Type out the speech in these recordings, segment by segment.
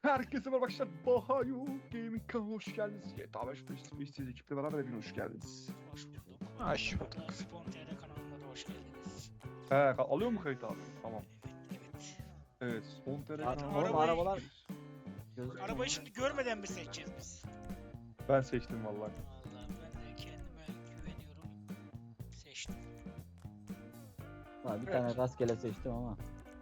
Herkese merhaba arkadaşlar. Bahayu Gaming kanalına hoş geldiniz. GTA 5 Face ekiple beraber hepiniz hoş geldiniz. Hoş bulduk. Hoş bulduk. Spontane kanalına da hoş geldiniz. He, alıyor mu kayıt abi? Tamam. Evet. Evet, Spontane Evet, kanalına arabayı- arabalar. Arabayı şimdi görmeden mi seçeceğiz biz? Ben seçtim vallahi. Vallahi ben de kendime güveniyorum. Seçtim. Ha, bir Evet. tane rastgele seçtim ama.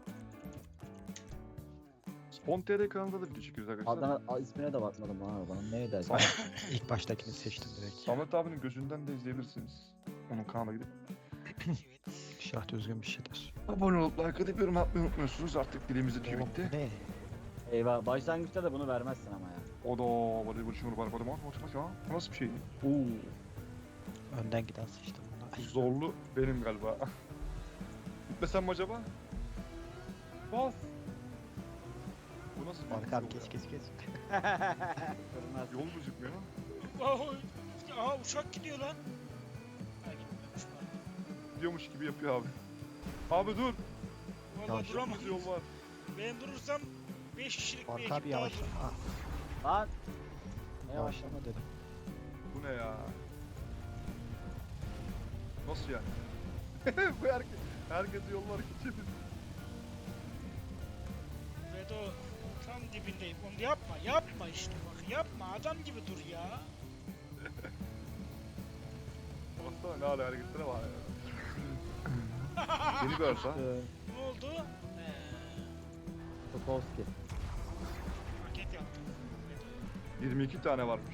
Spontane kanalında da video çekiyoruz arkadaşlar. Adana ismine de bakmadım lan arabanın. Neydi acaba? İlk baştakini seçtim direkt. Samet abinin gözünden de izleyebilirsiniz. Onun kanalına gidip. Evet. İnşallah düzgün bir şeydir. Abone olup like atıp yorum atmayı unutmuyorsunuz. Artık dilimizde tüy Oğlum, bitti. ne? Eyvah, başlangıçta da bunu vermezsin ama ya. O da bari bir şunu var. Bak ya. Bu nasıl bir şey? Oo, Önden giden seçtim bunu. zorlu benim galiba. Gitmesem mi acaba? Bas. Bu nasıl bir Marka abi yol ya? geç. Kırmaz. Yol gözükmüyor lan. Aha uçak gidiyor lan. Ha gitmemiş bari. Gidiyormuş gibi yapıyor abi. Abi dur. Vallahi Yavaş. duramam. Bir yol var. Ben durursam 5 kişilik bir Marka ekip abi daha yavaş. durur. Ha, Lan! Ne yavaş. yavaşlama dedim. Bu ne ya? Nasıl yani? Bu herkes yollar geçebilir. Vedo tam dibindeyim. Onu yapma işte bak. Yapma adam gibi dur ya. Baksana ne hala hareketlere var ya. Yeni bir arsa. Ne oldu? Topolski. Paket yaptım. Vedo. 22 tane varmış.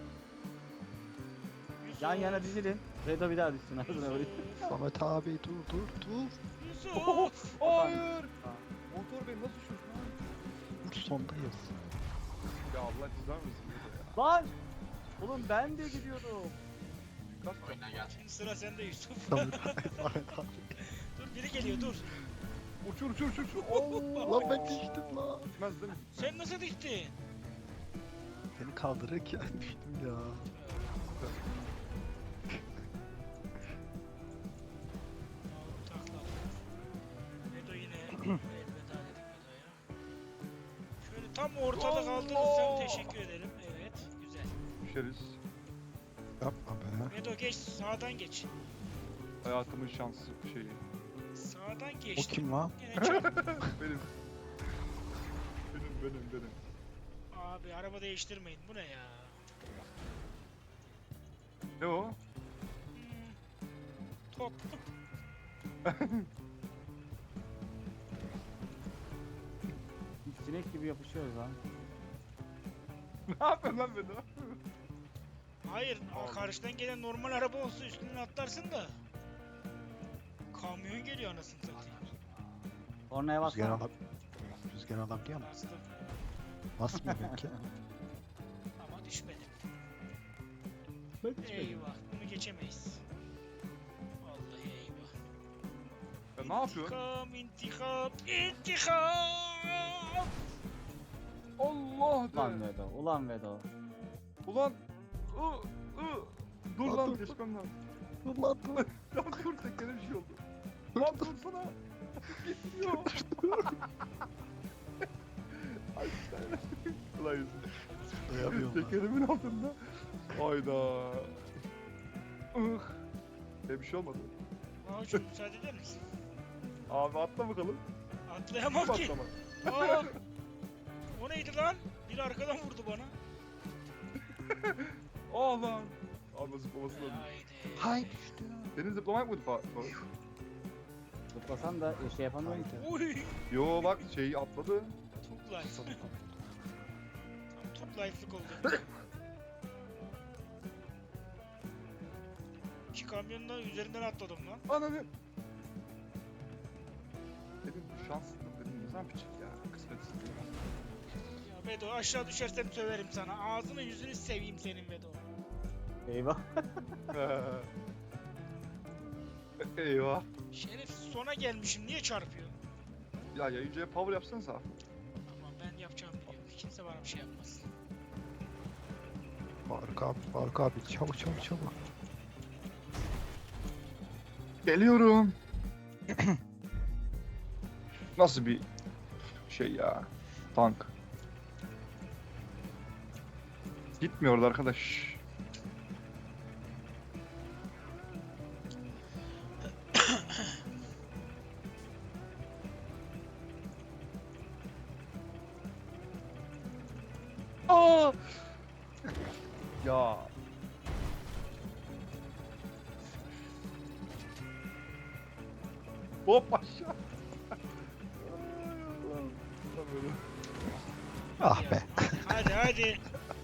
Yusuf, Yan yana dizilin. Redo bir daha düşsün ağzına vurayım. Samet abi dur. Yusuf. Hayır. Motor beni nasıl düşüyorsun lan? Dur sondayız. Ya Allah cezanı versin. Lan! Oğlum ben de gidiyordum. Kaç Şimdi sıra sende Yusuf. Samet abi. Dur biri geliyor dur. Uçur. Oo. Lan ben düştüm lan. Gitmez değil mi? Sen nasıl düştün? Seni kaldırırken düştüm ya. Takla. Vedo yine elveda dedik Vedo'ya. Şöyle tam ortada Allah! kaldırırsam teşekkür ederim. Evet güzel. Düşeriz. Yapma be. Vedo geç sağdan geç. Hayatımın şansı şeyi. Sağdan O geçtim. kim lan? Yine çarp. Benim. Benim. Abi araba değiştirmeyin bu ne ya? Ne o? Top. Sinek gibi yapışıyoruz lan. Ne yapıyorsun lan beni? Hayır Allah. karşıdan gelen normal araba olsa üstünden atlarsın da. Kamyon geliyor anasını satayım. Kornaya Rüzgar bassana. Rüzgar alabiliyor mu? Bastım Basmıyor belki. ama düşmedim. Ben düşmedim. Eyvah bunu geçemeyiz. Vallahi eyvah. Ya ne yapıyorsun? İntikam! Allah Ulan de. Vedo, ulan Vedo. Ulan. Dur Lan lan dur. geçmem lazım. Dur lan dur. Lan dur tekere bir şey oldu. Lan dursana. Gitmiyor. Ay sen. Ulan yüzüm. Duyamıyorum lan. Tekerimin altında. Hayda. Bir şey olmadı. Mahcup müsaade eder misin? Abi atla bakalım. Atlayamam Kim ki. atlama? Aa! O neydi lan? Biri arkadan vurdu bana. Aa lan. Abi zıplaması lazım. Haydi. Hay düştü. Senin zıplamak mıydı Faruk? Zıplasan da şey yapamıyorum ki. Haydi. Uy. Yo bak şeyi atladı. Top life. Tam top life'lık oldu. İki kamyonla üzerinden atladım lan. Ananı. Dedim şanslıyım dedim ne zaman küçük ya kısmetsiz değil. Ya Bedo aşağı düşersem söverim sana. Ağzını yüzünü seveyim senin Bedo. Eyvah. Eyvah. Şeref sona gelmişim niye çarpıyor? Ya yayıncıya power yapsanıza. Ama ben yapacağımı biliyorum. Kimse bana bir şey yapmaz. Faruk abi çabuk. Geliyorum. Nasıl bir şey ya? Tank. Gitmiyordu arkadaş. Aa! Ya. Hop aşağı. Ah Ya. be. Hadi hadi.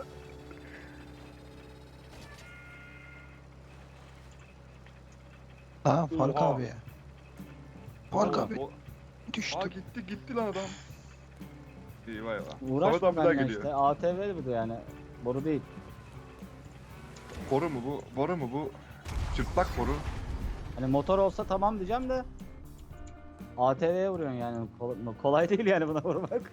Tamam Faruk Oha. abi. Faruk Aa, abi o- düştü. Aa gitti lan adam. Eyvah eyvah. Samet Uğraşma abi bir daha benden geliyor. işte. ATV bu da yani. Boru değil. Boru mu bu? Boru mu bu? Çıplak boru. Hani motor olsa tamam diyeceğim de. ATV'ye vuruyorsun yani. Kolay değil yani buna vurmak.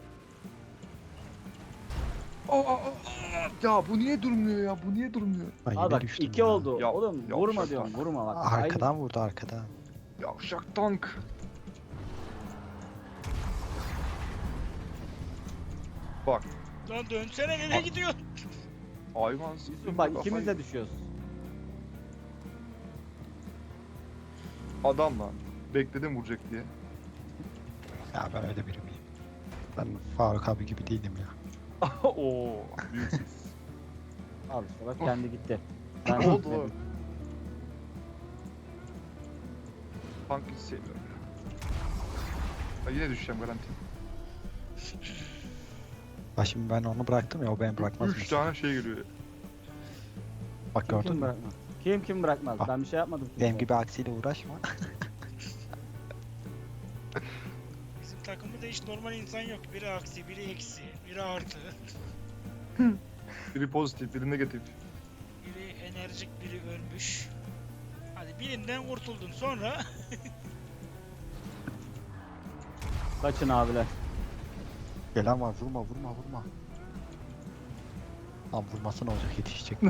Ya bu niye durmuyor ya? Bu niye durmuyor? Ay, Aa yine bak düştüm 2 ya. oldu. Ya- Oğlum ya vurma uşak diyorum bak. vurma bak. Arkadan vurdu arkadan. Yavşak tank. Bak. Lan dönsene nereye gidiyorsun? Hayvansız. Aynı. Bak ikimiz de düşüyoruz. Adam lan. Bekledim vuracak diye. Ya ben öyle biri miyim? Ben Faruk abi gibi değilim ya. Oo. Büyük. Al işte bak kendi gitti. Ben Ne oldu gitmedim. lan? Tank hiç sevmiyorum ya. Ha, yine düşeceğim garanti. Bak şimdi ben onu bıraktım ya o beni bırakmaz 3 mesela. tane şey geliyor. Bak Kim gördün mü? bırakmaz? Kim bırakmaz? Bak. Ben bir şey yapmadım. kimseye. Benim gibi aksiyle uğraşma. Bizim takımda hiç normal insan yok. Biri aksi, biri eksi, biri artı. Biri pozitif, biri negatif. Biri enerjik, biri ölmüş. Hadi birinden kurtuldun sonra. Kaçın abiler. Gelen var vurma. Lan vurması ne olacak yetişecek.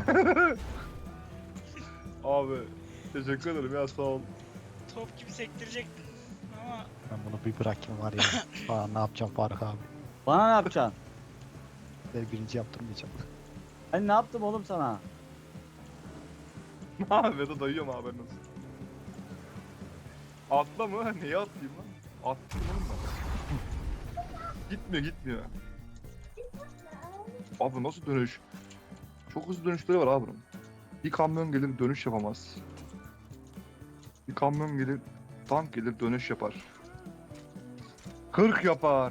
Abi teşekkür ederim ya sağ ol. Top gibi sektirecektin. Ama Ben bunu bir bırakayım var ya. Aa, ne yapacağım Faruk abi? Bana ne yapacaksın? Ben birinci yaptırmayacağım. Ben ne yaptım oğlum sana? Ha Vedo dayıyorum abi nasıl? Atla mı? Neye atlayayım lan? Atlayayım oğlum ben. Gitmiyor. Abi nasıl dönüş? Çok hızlı dönüşleri var abi bunun. Bir kamyon gelir dönüş yapamaz. Bir kamyon gelir tank gelir dönüş yapar. 40 yapar.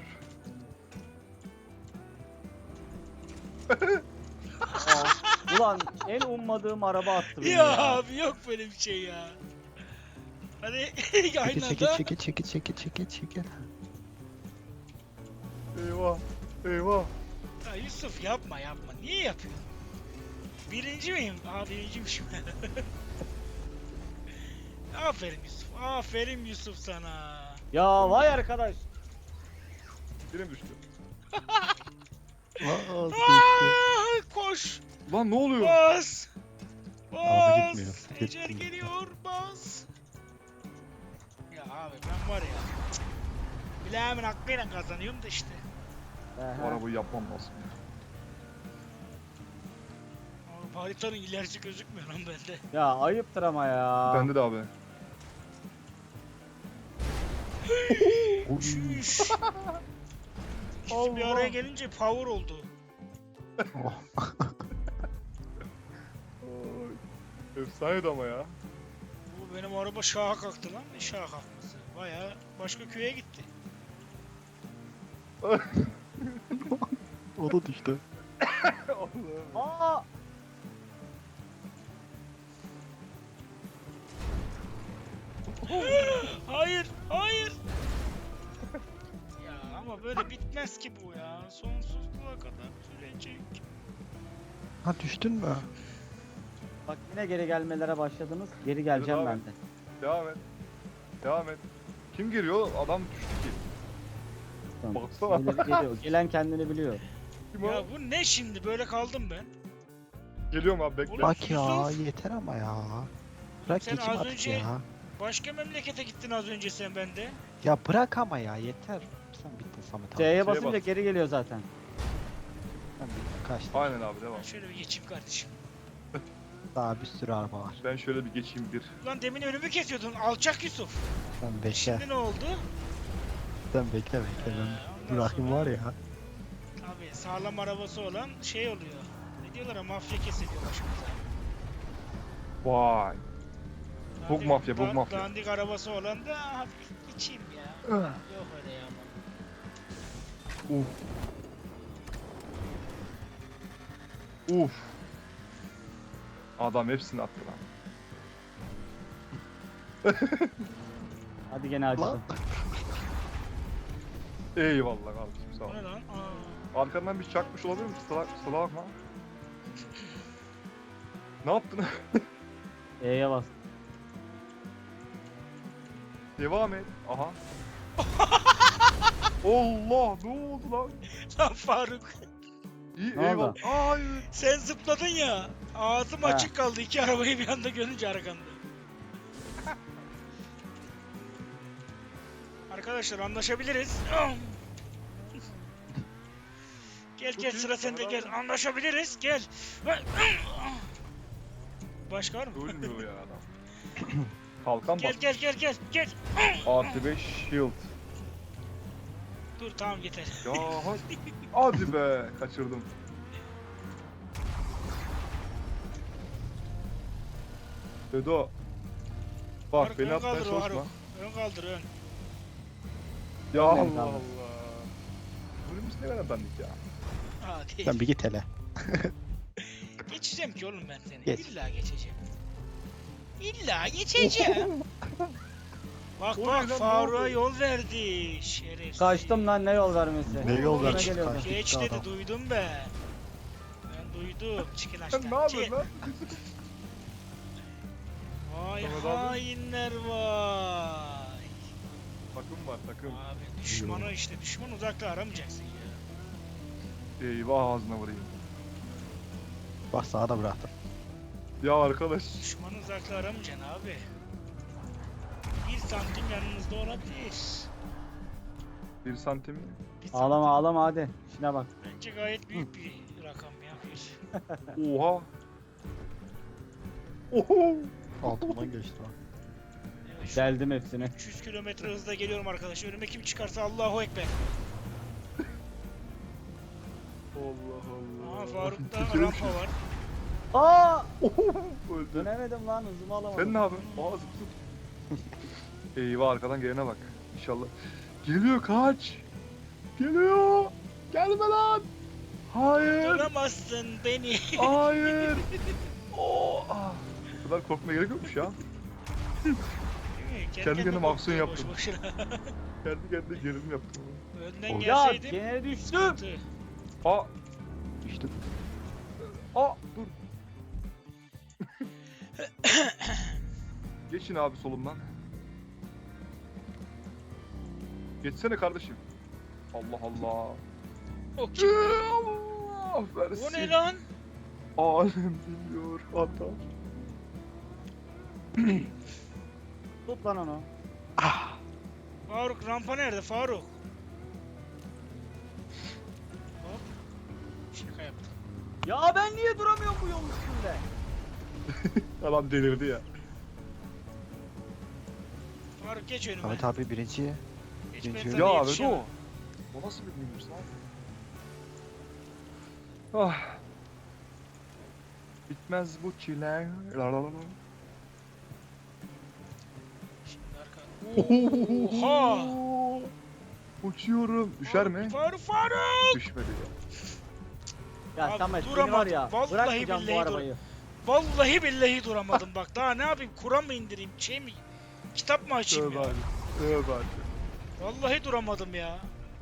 Ulan en ummadığım araba attı beni ya ya. abi yok böyle bir şey ya. Hadi aynı anda. Çekil. Eyvah. Ya Yusuf yapma. Niye yapıyorsun? Birinci miyim? Aa birinciymişim. Aferin Yusuf sana. Ya vay arkadaş. Benim düştü. Aa, koş. Lan ne oluyor? Bas. Araba gitmiyor. Ecel geliyor. Bas. Ya abi ben var ya. Bileğimin hakkıyla kazanıyorum da işte. Bu arabayı yapmam lazım. Abi haritanın ilerisi gözükmüyor lan bende. Ya ayıptır ama ya. Bende de abi. Şüş. İkisi bir araya gelince power oldu. Oh. Efsaneydi ama ya. Bu benim araba şaha kalktı lan. Ne şaha kalkması? Baya başka köye gitti. O da düştü. Aa! Hayır. Ya ama böyle bitmez ki bu ya. Sonsuzluğa kadar sürecek. Ha düştün mü? Bak yine geri gelmelere başladınız. Geri geleceğim Evet ben abi. de. Devam et. Kim giriyor? Adam düştü ki. Tamam. Baksana. Geliyor. Gelen kendini biliyor. Kim o? Ya bu ne şimdi? Böyle kaldım ben. Geliyorum abi bekle. Ulan Bak ya Yusuf. yeter ama ya. Bırak Sen geçeyim az artık önce- ya. Başka memlekete gittin az önce sen bende. Ya bırak ama ya yeter. Sen bittin Samet abi. C'ye C'ye basınca bas. geri geliyor zaten. Sen bittin kaçtı. Aynen abi devam. Ben şöyle bir geçeyim kardeşim. Daha bir sürü araba var. Ben şöyle bir geçeyim bir. Lan demin önümü kesiyordun alçak Yusuf. Sen bekle. Şimdi ne oldu? Sen bekle. ondan Ben bırakayım sonra- var ya. Abi sağlam arabası olan şey oluyor. Ne diyorlar ya, mafya kesiliyor başımıza. Vay. Bug mafya, bug mafya. Dandik arabası olan da hafif içeyim ya. Yok öyle ya. Uf. Uf. Adam hepsini attı lan. Hadi gene açtım. Eyvallah kardeşim sağ ol. Bu ne lan? Aa. Arkandan bir çakmış olabilir mi? Sıla bakma. Ne yaptın? E'ye bas. Devam et. Aha. Allah ne oldu lan? Lan Faruk, İyi Ne eyvallah. oldu? Hayır. sen zıpladın ya. Ağzım He. açık kaldı iki arabayı bir anda görünce arkanda. Arkadaşlar anlaşabiliriz. Gel Çok gel iyi, sıra sende bravo. gel. Anlaşabiliriz. Gel. Başka var mı? Ölmüyor ya adam. Kalkan Gel bak. gel gel gel gel. Artı 5 shield. Dur tamam yeter. Ya hadi. Hadi be. Kaçırdım. Dedo. Bak Faruk, beni ön atmaya kaldır o çalışma. Faruk. Ön kaldır ön. Ya Ön Allah kaldır. Allah. Önümüz ne kadar dandik ya. Hadi. Sen bir git hele. Geçeceğim ki oğlum ben seni. Geç. İlla geçeceğim. İlla geçeceğim. Bak O ne bak lan, ne Faruk'a oldu? yol verdi. Şerefsiz. Kaçtım lan ne yol vermesi. Ne yol Önüme vermiş? geliyordu. Kaçtı Geç adam. dedi duydum ben. Ben duydum. Çıkın aşağı. Sen ne yapıyorsun Çıkın. lan? Vay Mehmet abi. hainler vay. Takım var takım. Abi düşmanı işte. Düşman uzakta aramayacaksın ya. Eyvah ağzına vurayım. Bak sağa da bıraktım. Ya arkadaş. Düşmanı uzakta aramayacaksın abi. 1 santim yanınızda olabilir. 1 santim mi? 1 santim. Ağlama ağlama hadi. Şuna bak. Bence gayet büyük bir rakam ya. Bir. Oha. Oho. Altından geçti o. Evet, şu Deldim hepsini. 300 kilometre hızla geliyorum arkadaş. Önüme kim çıkarsa Allahu Ekber. Allah Allah. Aa Faruk'ta Tükürüm rampa var. Aa! Oho. Öldü. Dönemedim lan hızımı alamadım. Sen ne yapıyorsun? Aa zıp zıp. Eyvah arkadan gelene bak. İnşallah. Geliyor kaç. Geliyor. Gelme lan. Hayır. Duramazsın beni. Hayır. Oo. Ah. Bu kadar korkmaya gerek yokmuş ya. Değil mi? Kendi kendime aksiyon korkuyor yaptım. boş boşuna. Kendi kendine gerilim yaptım. Önden Oh. Ya gelseydim. gene düştüm. sıkıntı. Aa. Düştüm. Aa dur. Geçin abi solumdan. Geçsene kardeşim. Allah Allah. O kim? Allah versin. O ne lan? Alem bilmiyor hatta. Tut lan onu. Ah. Faruk rampa nerede Faruk? Hop. Şaka yaptım. Ya ben niye duramıyorum bu yol üstünde? Adam delirdi ya. Faruk geç önüme. Ahmet abi birinci. Geç ben geçiyor. sana Ya abi yetişemem. o. O nasıl bir minibüs lan? Ah. Bitmez bu çile. La la la la. Şimdi arka. Oha! Uçuyorum. Düşer mi? Faruk! Düşmedi ya. Ya Abi Samet beni duramadım. var ya. Vallahi Bırakmayacağım billahi bu arabayı. Vallahi billahi duramadım bak. Daha ne yapayım? Kur'an mı indireyim? Şey mi? Kitap mı açayım Tövbe ya? abi. Tövbe abi. Vallahi duramadım ya.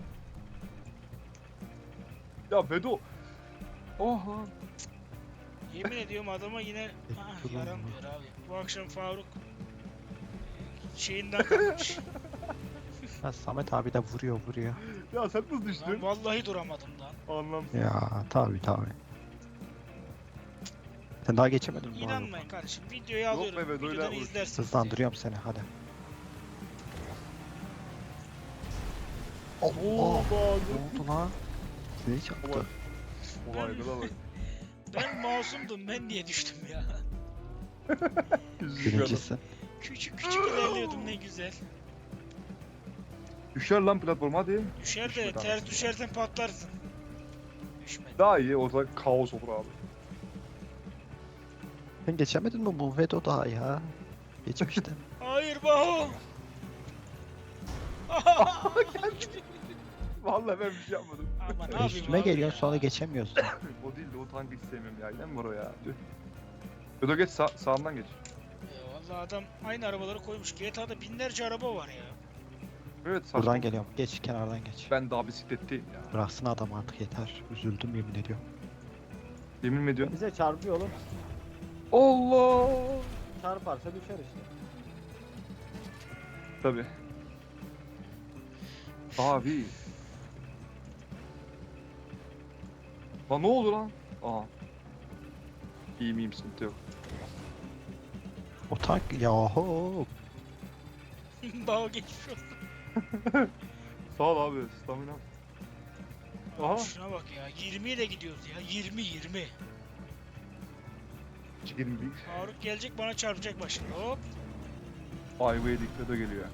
Ya Bedo. Oha. Yemin ediyorum adama yine Durun yaramıyor abi. Bu akşam Faruk şeyinden kalmış. Ha, Samet abi de vuruyor. Ya sen nasıl Lan düştün? vallahi duramadım lan. Anlamsız. Ya tabi. Sen daha geçemedin mi? bu arada? İnanmayın kardeşim. Videoyu Yok alıyorum. be, böyle Videodan olur. izlersiniz. Hızlandırıyorum seni hadi. Oo, Allah. bağlı. Ne oldu lan? Seni çarptı. Olayda da bak. Ben masumdum, ben niye düştüm ya? Üzücü adam. Birincisi. Küçük küçük ilerliyordum, ne güzel. Düşer lan platforma hadi. Düşer de Düşmedi ters abi. düşersen patlarsın. Düşmedi. Daha iyi ortada kaos olur abi. Sen geçemedin mi bu Vedo daha ya? Geçmiştim. Hayır Baho. Vallahi ben bir şey yapmadım. Ama ne yapayım Üstüme abi geliyorsun ya? sonra geçemiyorsun. O değil de o tankı hiç sevmiyorum ya. Yine mi var o ya? Tüh. Ödo geç sağından geç. Vallahi adam aynı arabaları koymuş. GTA'da binlerce araba var ya. Evet saçma. Buradan geliyorum. Geç kenardan geç. Ben daha bisikletteyim ya. Bıraksın adam artık yeter. Üzüldüm yemin ediyorum. Yemin mi ediyorsun? Bize çarpıyor oğlum. Allah! Çarparsa düşer işte. Tabii. Abi. Lan ne oldu lan? Aa. İyi miyim sıkıntı yok. O tank yahu. Baho geçmiş olsun. Sağ ol abi stamina. Aha. Şuna bak ya, 20 ile gidiyoruz ya. 20. 21. Faruk gelecek, bana çarpacak başında. Hop. Ayvaya dikkat geliyor.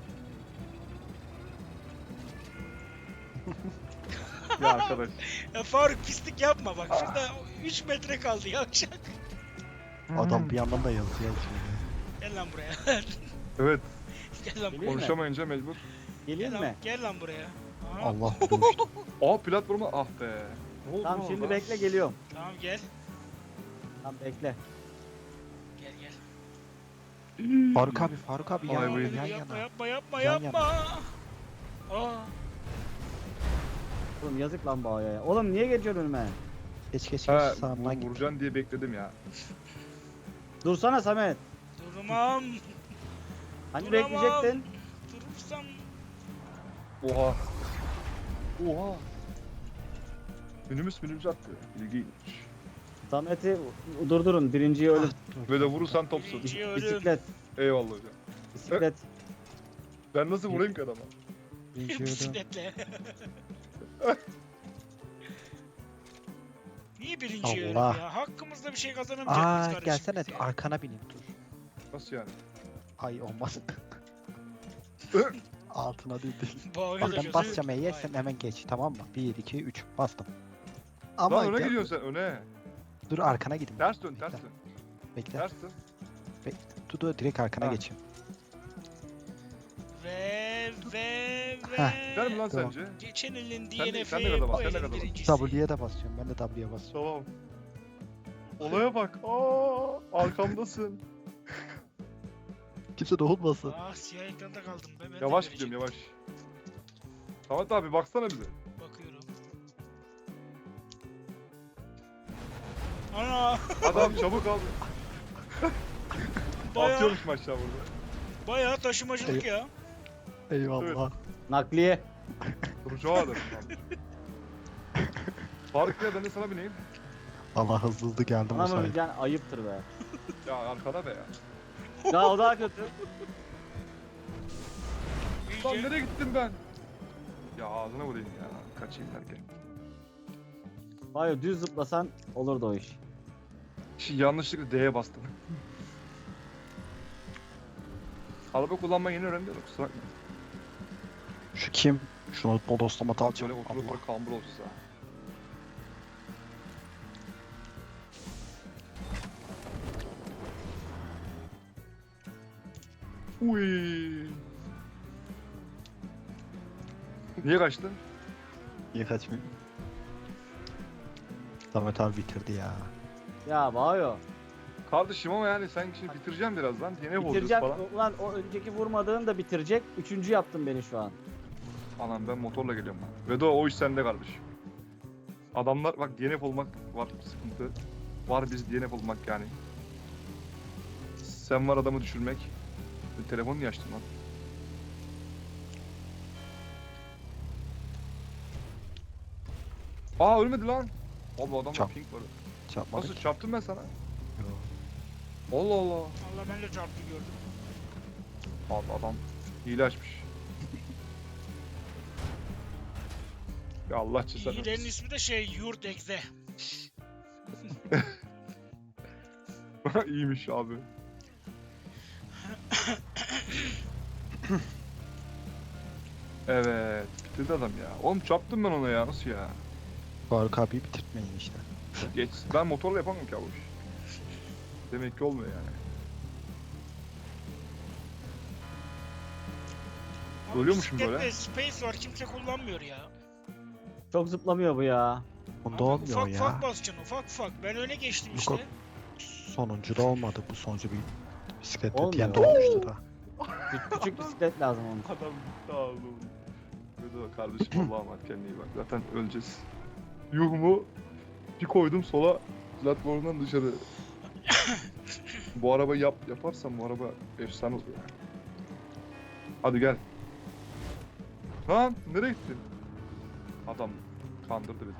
Ya arkadaş. Ya Faruk pislik yapma bak. Şurada 3 metre kaldı yavşak. Adam bir yandan da yazıyor. yazıyor. Gel lan buraya. Evet. Gel lan buraya. Geleyim mi? Konuşamayınca mecbur. Geleyim Gel mi? lan, gel lan buraya. Aha. Allah dövüştü. Aa platforma ah be. Ne oldu Tamam lan şimdi orada? bekle geliyorum. Tamam gel. Tamam bekle. Gel gel. Faruk abi Ay, yan, buyur. yan Yapma yana. yapma yapma Yan yapma. Aa. Oğlum yazık lan Bağ'a ya. Oğlum niye geçiyorsun önüme? Geç geç geç Ha, sağımdan git. vuracaksın diye bekledim ya. Dursana Samet. Durmam. Hani Duramam. bekleyecektin? Durursam. Oha. Oha. Minibüs attı. İlginç. Samet'i durdurun. Birinciyi ölüm. Böyle vurursan topsun. Birinciyi ölüm. Bisiklet. Eyvallah hocam. Bisiklet. Ben nasıl vurayım ki adama? Bisikletle. Niye birinci ölüm Allah. ya? Hakkımızda bir şey kazanamayacak mıyız Aa kardeşim? gelsene biz ya? arkana bineyim dur. Nasıl yani? Ay olmaz. Altına değil. Bağırıyor Bak da ben gözü- basacağım E'ye Vay. sen hemen geç tamam mı? 1 2 3 bastım. Lan Ama öne gel- gidiyorsun sen öne. dur arkana gidin. Ters dön Bekle, ters dön. Bekle. Ters dön. Dur direkt arkana Ha. geçeyim. Ve Heh. Gider mi lan Tamam. sence? Geçen elin Sen de DNF'i gaza bas, bu sen de elin gaza bas. birincisi. W'ye de basıyorum. Ben de W'ye basıyorum. Tamam. Olaya bak. Aa, arkamdasın. Kimse dokunmasın. Ah siyah ekranda kaldım be. Ben de Yavaş verecektim. gidiyorum yavaş. Samet abi baksana bize. Bakıyorum. Ana Adam çabuk al. bayağı, Atıyormuş aşağı burada. bayağı taşımacılık ya. Eyvallah. Nakliye. Duracağı adam. Faruk ya ben de sana bineyim. Allah hızlı geldim o Bana mı sayede. bileceksin? Ayıptır be. Ya arkada be ya. Ya o daha kötü. Lan İyice. nereye gittim ben? Ya ağzına vurayım ya. Kaçayım derken. Hayır düz zıplasan olurdu o iş. Şimdi yanlışlıkla D'ye bastım. Araba kullanmayı yeni öğrendim de kusura bakma. Şu kim? Şunu bodoslama Böyle alacağım. oturup Allah. böyle kambur olsun ha. Uy. Niye kaçtın? Niye kaçmıyor? Samet abi bitirdi ya. Ya Bağyo. Kardeşim ama yani sen şimdi bitireceğim birazdan. Yine bozacağız Bitireceğim. falan. Ulan o önceki vurmadığın da bitirecek. Üçüncü yaptın beni şu an. Anam ben motorla geliyorum lan. Vedo o iş sende kardeşim. Adamlar bak DNF olmak var sıkıntı. Var biz DNF olmak yani. Sen var adamı düşürmek. Telefonu niye açtın lan? Aa ölmedi lan. Abi adamda Çap. pink var. Çarpmadık. Nasıl çarptım ben sana? Yo. Allah Allah. Allah ben de çarptı gördüm. Abi adam hile açmış. Ya Allah cezanı İyilerin versin. ismi de şey Yurt Egze. İyiymiş abi. Evet, bitirdi adam ya. Oğlum çarptım ben ona ya, nasıl ya? Faruk abi bitirtmeyin işte. Geç, ben motorla yapamam ki abi. Demek ki olmuyor yani. Abi Ölüyormuşum böyle. bisiklette space var kimse kullanmıyor ya. Çok zıplamıyor bu ya. Bunda Abi olmuyor ufak ya. ufak basacaksın ufak ufak. Ben öne geçtim Bu işte. Sonuncu da olmadı. Bu sonuncu bir bisikletle Olmuyor. diyen de olmuştu da. Küçük bisiklet lazım onun. Adam sağ olun. Böyle kardeşim Allah'a emanet, kendine iyi bak. Zaten öleceğiz. Yuhumu bir koydum sola, platformdan dışarı. Bu arabayı yaparsam bu araba efsane olur ya. Hadi gel. Lan nereye gittin? Adam kandırdı bizi.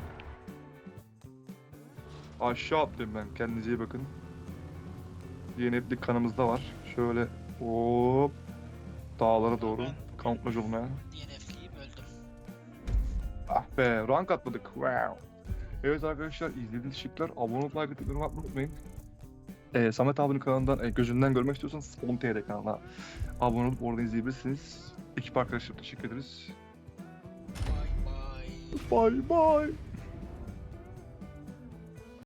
Aşağı atlayayım ben. Kendinize iyi bakın. Yenetlik kanımızda var. Şöyle hop dağlara doğru kamuflaj olmaya. DNF'liyim öldüm. Ah be, rank atladık. Wow. Evet arkadaşlar, izlediğiniz teşekkürler. Abone olup like atıp yorum atmayı unutmayın. Samet abinin kanalından gözünden görmek istiyorsanız Spontane'de kanalına abone olup oradan izleyebilirsiniz. Ekip arkadaşlarım teşekkür ederiz. Bye bye. Bye bye.